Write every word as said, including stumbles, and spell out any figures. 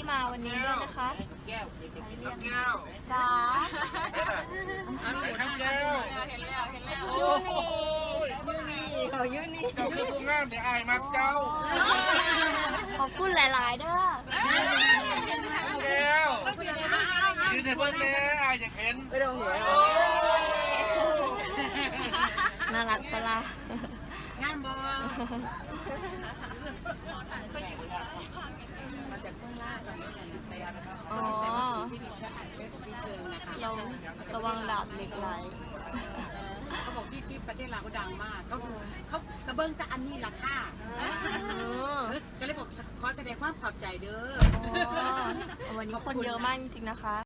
มาวันนี้ด้วยนะคะแก้วแก้วจ้าอันไหนครับแก้วเห็นแล้วเห็นแล้วโอ้ยนี่ขอยูนี่เจ้าคือผู้งามแต่อายมักเจ้าขอบคุณหลายๆเด้อแก้วยืนในเบิ้งแม่อายอยากเห็นไปดูหัวโอ้ยน่ารักปะล่ะงานบอมาจากเบื้องล่างสมัยนั้นใส่อะไรครับอ๋อที่ใส่ที่ดิฉันอ่านเชิญพี่เชิงนะคะเราระวังดาบเหล็กไหลเขาบอกที่ที่ประเทศลาวเขาดังมากเขาเขากระเบื้องจะอันนี้ราคาเออก็เลยบอกขอแสดงความขอบใจเด้ออ๋อวันนี้คนเยอะมากจริงๆนะคะ